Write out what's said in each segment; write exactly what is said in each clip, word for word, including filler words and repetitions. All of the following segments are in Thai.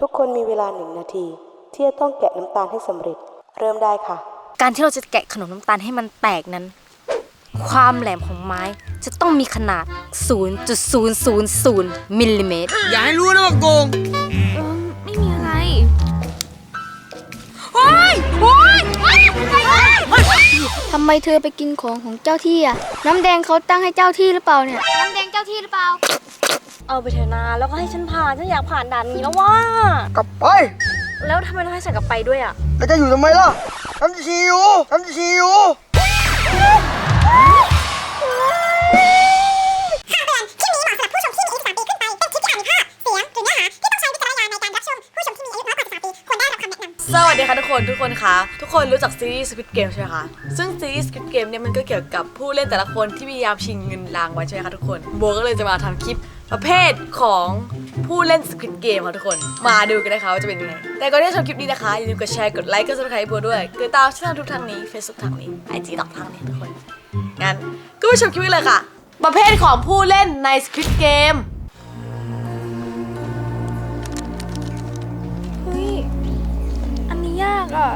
ทุกคนมีเวลาหนึ่งนาทีที่จะต้องแกะน้ำตาลให้สำเร็จเริ่มได้ค่ะการที่เราจะแกะขนมน้ำตาลให้มันแตกนั้นความแหลมของไม้จะต้องมีขนาด ศูนย์จุดศูนย์ศูนย์ศูนย์ มิลลิเมตรอย่าให้รู้นะว่าโกงเออไม่มีอะไรโอ๊ยโอ๊ยทำไมเธอไปกินของของเจ้าที่อ่ะน้ำแดงเขาตั้งให้เจ้าที่หรือเปล่าเนี่ยน้ำแดงเจ้าที่หรือเปล่าเอาไปเถอะนาแล้วก็ให้ฉันผ่านฉันอยากผ่านด่านนี้แล้วว่ากลับไปแล้วทำไมต้องให้ฉันกลับไปด้วยอ่ะแล้วจะอยู่ทำไมล่ะฉันจะชี้อยู่ฉันจะชี้อยู่คำเตือนคลิปนี้เหมาะสำหรับผู้ชมที่มีอายุสิบสามปีขึ้นไป เป็นคลิปที่อาจมีภาพ เสียง หรือเนื้อหาที่ต้องใช้วิจารณญาณในการรับชม ผู้ชมที่มีอายุน้อยกว่าสิบสามปีควรได้รับคำแนะนำสวัสดีค่ะทุกคนทุกคนคะทุกคนรู้จักซีรีส์ Squid Game ใช่ไหมคะซึ่งซีรีส์ Squid Game เนี่ยมันก็เกี่ยวกับผู้เล่นแต่ละคนที่พยายามชิงเงินรางวัลใช่ไหมคะทุกคนโบก็เลยจะมาทำคลิปประเภทของผู้เล่น Squid Game ค่ะทุกคนมาดูกันนะคะว่าจะเป็นยังไงแต่ก่อนที่จะชมคลิปนี้นะคะอย่าลืมกดแชร์กดไลค์กด Subscribe โบด้วยกดติดตามช่องทางทุกทางนี้ Facebook ทางนี้ ไอ จี ดอกทางนี้ทุกคนงั้นก็ไปชมคลิปเลยค่ะประเภทของผู้เล่นใน Squid Game เฮ้ยอันนี้ยากอ่ะ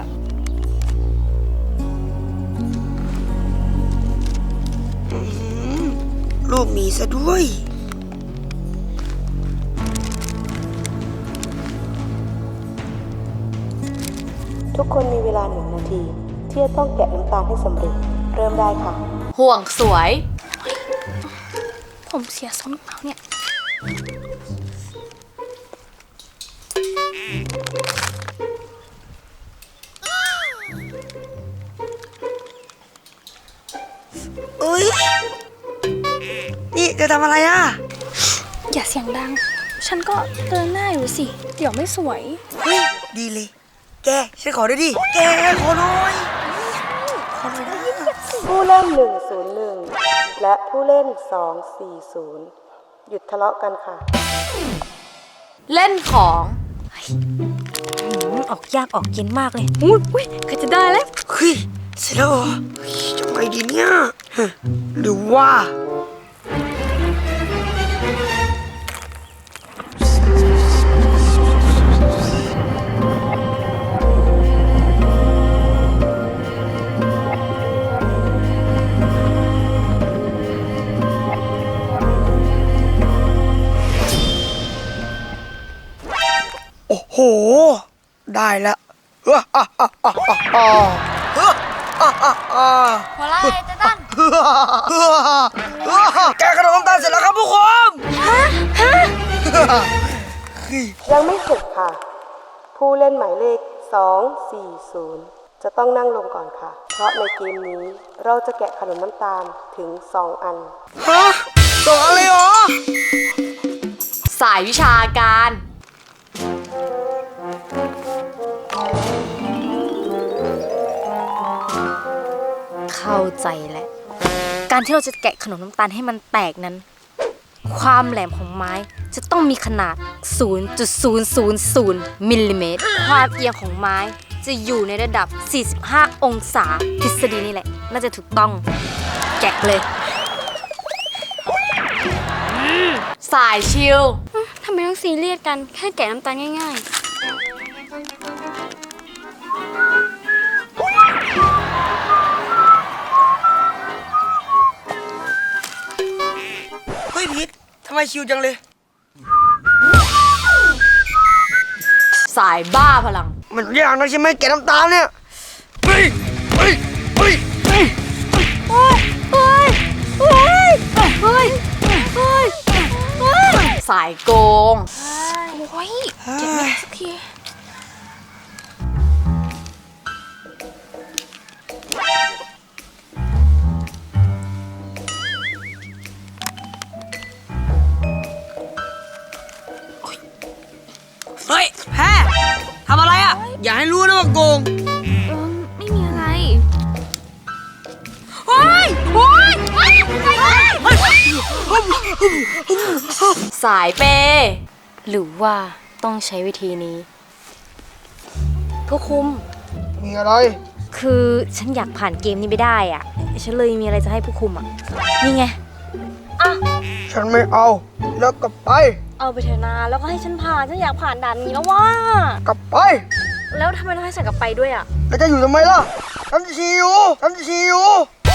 รูปหมีซะด้วยทุกคนมีเวลาหนึ่งนาทีที่จะต้องแกะน้ำตาลให้สำเร็จเริ่มได้ค่ะห่วงสวยผมเสียทรงเปล่าเนี่ยเอ้ยนี่จะทำอะไรอ่ะอย่าเสียงดังฉันก็เดินหน้าอยู่สิเดี๋ยวไม่สวยเฮ้ยดีเลยแกฉันขอด้วยดิแกขอหน่อยขอหน่อยนะผู้เล่นหนึ่งศูนย์หนึ่งและผู้เล่นสองสี่ศูนย์หยุดทะเลาะกันค่ะเล่นของออกยากออกเย็นมากเลยอุ้ยอุ้ยก็จะได้แล้วเฮ้ยเสร็จแล้วเหรอจะไปดีเนี่ยหรือว่าโอ้โหได้แล้วเอออ่ะอ่ะอ่ะอ่ะอ่ะเอออ่ะอ่ะอ่ะหัวไล่เต้ตันแกขนมน้ำตาลเสร็จแล้วครับผู้ชมฮะฮะยังไม่เสร็จค่ะผู้เล่นหมายเลขสองสี่ศูนย์จะต้องนั่งลงก่อนค่ะเพราะในเกมนี้เราจะแกะขนมน้ำตาลถึงสองอันฮะสองอันเลยเหรอสายวิชาการเข้าใจแล้วการที่เราจะแกะขนมน้ำตาลให้มันแตกนั้นความแหลมของไม้จะต้องมีขนาด ศูนย์จุดศูนย์ศูนย์ศูนย์ มิลลิเมตรความเอียงของไม้จะอยู่ในระดับสี่สิบห้าองศาทฤษฎีนี่แหละน่าจะถูกต้องแกะเลยสายชิลทำไมต้องซีเรียสกันแค่แกะน้ำตาลง่ายๆเฮ้ยพีททำไมชิวจังเลยสายบ้าพลังมันยากนะใช่ไหมแกะน้ำตาลเนี่ยเฮ้ยเฮ้ยเฮ้ยเฮ้ยเฮ้ยเฮ้ยเฮ้ยเฮ้ยเฮ้ยสายโกงโอ้ยเจ็บไหมสักทีเฮ้ยแพ้ทำอะไรอ่ะอย่าให้รู้นะว่าโกงเออไม่มีอะไรโอ้ยโอ้ยสายเปหรือว่าต้องใช้วิธีนี้ผู้คุมมีอะไรคือฉันอยากผ่านเกมนี้ไม่ได้อ่ะฉันเลยมีอะไรจะให้ผู้คุมอ่ะนี่ไงอ่ะฉันไม่เอาแล้วกลับไปเอาไปเถอะนาแล้วก็ให้ฉันผ่านฉันอยากผ่านด่านนี้แล้วว่ากลับไปแล้วทำไมต้องให้ฉันกลับไปด้วยอ่ะแล้วจะอยู่ทำไมล่ะฉันจะชี้อยู่ฉันจะชี้อยู่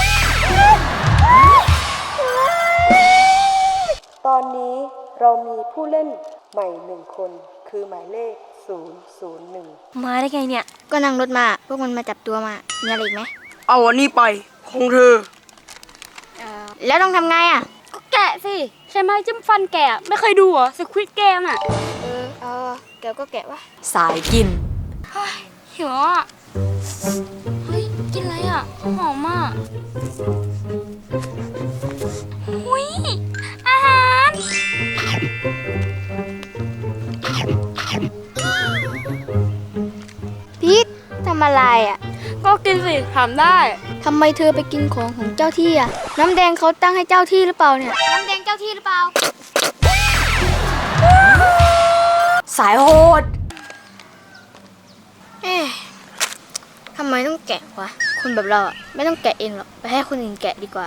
ตอนนี้เรามีผู้เล่นใหม่หนึ่งคน คือหมายเลข ศูนย์ ศูนย์ หนึ่งมาได้ไงเนี่ยก็นั่งรถมา พวกมันมาจับตัวมา มีอะไรอีกไหมเอาอันนี้ไปของเธอแล้วต้องทำไงอ่ะก็แกะสิใช่ไหมจิ้มฟันแกะไม่เคยดูเหรอสควิดเกมอ่ะเออเอาแกก็แกะวะสายกินหิวอ่ะเฮ้ยกินอะไรอ่ะหอมมากหุยอาหารพีททำอะไรอ่ะก็กินสิถามได้ทำไมเธอไปกินของของเจ้าที่อ่ะ น้ำแดงเขาตั้งให้เจ้าที่หรือเปล่าเนี่ย น้ำแดงเจ้าที่หรือเปล่าสายโหดเอ๊ะทำไมต้องแกะวะ คนแบบเราอ่ะไม่ต้องแกะเองหรอก ไปให้คนอื่นแกะดีกว่า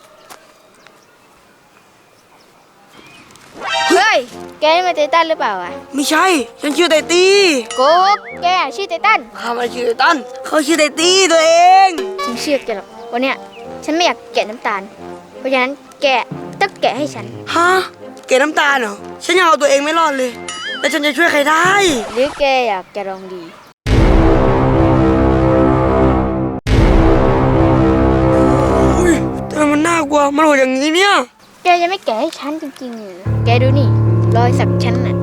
เฮ้ย แกนี่มาไททันหรือเปล่าอ่ะไม่ใช่ ฉันชื่อไตตี้โกกแกชื่อไททันข้าไม่ชื่อไตตันเขาชื่อไตตี้ตัวเองฉันเชื่อแกหรอกวันเนี้ยฉันไม่อยากแกะน้ำตาล เพราะฉะนั้นแกะต้องแกะให้ฉันฮะเกลน้ำตาลเหรอฉันยังเอาตัวเองไม่รอดเลยแล้วฉันจะช่วยใครได้หรือแกอยากจะลองดีอุ้ยทำไมมันน่ากลัวมันโหดอย่างนี้เนี่ยแกจะไม่แกะให้ฉันจริงๆเหรอแกดูนี่ รอยสักฉันน่ะ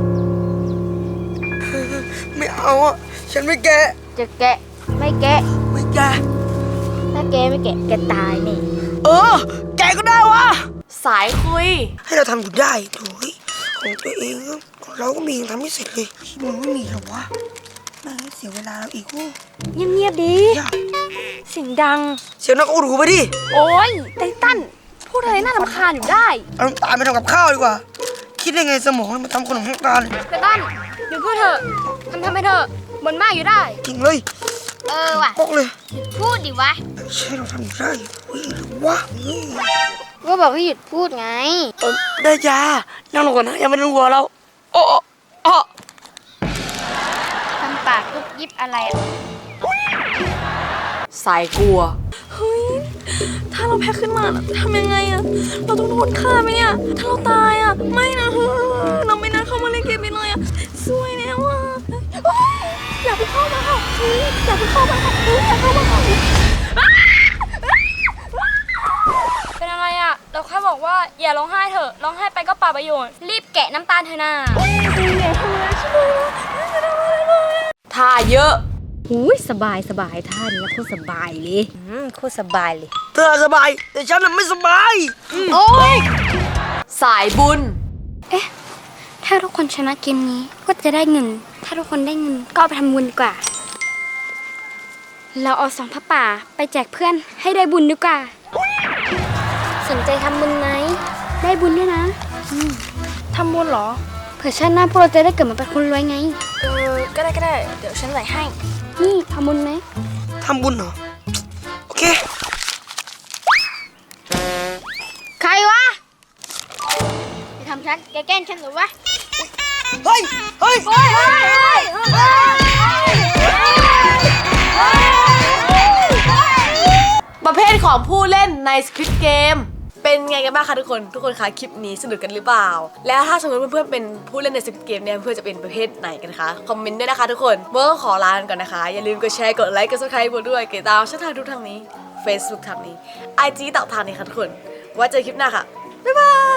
ไม่เอาอ่ะฉันไม่แกะจะแกะไม่แกะไม่แกะถ้าแกไม่แกะแกตายนี่เออ แกะก็ได้วะสายคุยให้เราทำอยู่ได้โถ่ยของตัวเองอะของเราก็มียังทำไม่เสร็จเลยมึงไม่มีหรอวะแม่งเสียเวลาเราอีกโอ้เงียบๆดียากเสียงดังเสียงนักอูรูไปดิโอ้ยไททันพูดอะไรน่ารำคาญอยู่ได้เอาน้ำตาลไปทำกับข้าวดีกว่า คิดได้ไงสมองมันมาทำขนมน้ำตาลไททันอยู่เพื่อเธอทำทำไปเถอะบนมากอยู่ได้จริงเลยเออว่ะบอกเลยพูดดิวะใช่เราทำอยู่ได้เฮ้ยหรือวะเฮ้ยก็บอกให้หยุดพูดไงเออได้จ้านั่งลงก่อนนะยังไม่ต้องหัวเราโอ้โอ้โอ้ทำปากยุบยิบอะไรอะสายกลัวเฮ้ย ถ้าเราแพ้ขึ้นมาน่ะทำยังไงอะเราต้องโดนฆ่าไหมเนี่ย ถ้าเราตายอะไม่นะเฮ้ยเราไม่น่าเข้ามาเล่นเกมนี้เลยอะสวยแล้วอะเฮ้ยอย่าไปเข้ามาค่ะเฮ้ยอย่าไปเข้ามาค่ะเฮ้ยอย่าเข้ามาค่ะอ้าเป็นอะไรอะเราแค่บอกว่าอย่าร้องไห้เถอะ ร้องไห้ไปก็เปล่าประโยชน์ รีบแกะน้ำตาลเถอะนะอย่าทำอะไรใช่ไหมไม่ทำอะไรเลยท่าเยอะอุ้ยสบายสบายท่านี้โคตรสบายเลยอืมโคตรสบายเลยเธอสบาย แต่ฉันน่ะไม่สบายโอ้ยสายบุญถ้าทุกคนชนะเกมนี้ก็จะได้เงิน ถ้าทุกคนได้เงินก็เอาไปทำบุญดีกว่า เราเอาสองพระป่าไปแจกเพื่อนให้ได้บุญดีกว่า สนใจทำบุญไหม ได้บุญด้วยนะอืมทำบุญเหรอเผื่อชาติหน้าพวกเราจะได้เกิดมาเป็นคนรวยไงเออ ก็ได้ก็ได้ เดี๋ยวฉันใส่ให้นี่ทำบุญไหมทำบุญเหรอ โอเคใครวะจะทำฉัน แกแกล้งฉันหรือวะเฮ้ย เฮ้ยประเภทของผู้เล่นใน Squid Game เป็นไงกันบ้างคะทุกคน ทุกคนคะคลิปนี้สนุกกันหรือเปล่า แล้วถ้าสมมติเพื่อนๆเป็นผู้เล่นใน Squid Game เนี่ยเพื่อนจะเป็นประเภทไหนกันคะ คอมเมนต์ด้วยนะคะทุกคนเมื่อขอลากันก่อนนะคะ อย่าลืมกดแชร์ กดไลค์ กด Subscribe ด้วยกดติดตามช่องทางทุกทางนี้ Facebook ทางนี้ ไอ จี ต่างทางนี้ค่ะทุกคนไว้เจอคลิปหน้าค่ะ บ๊ายบาย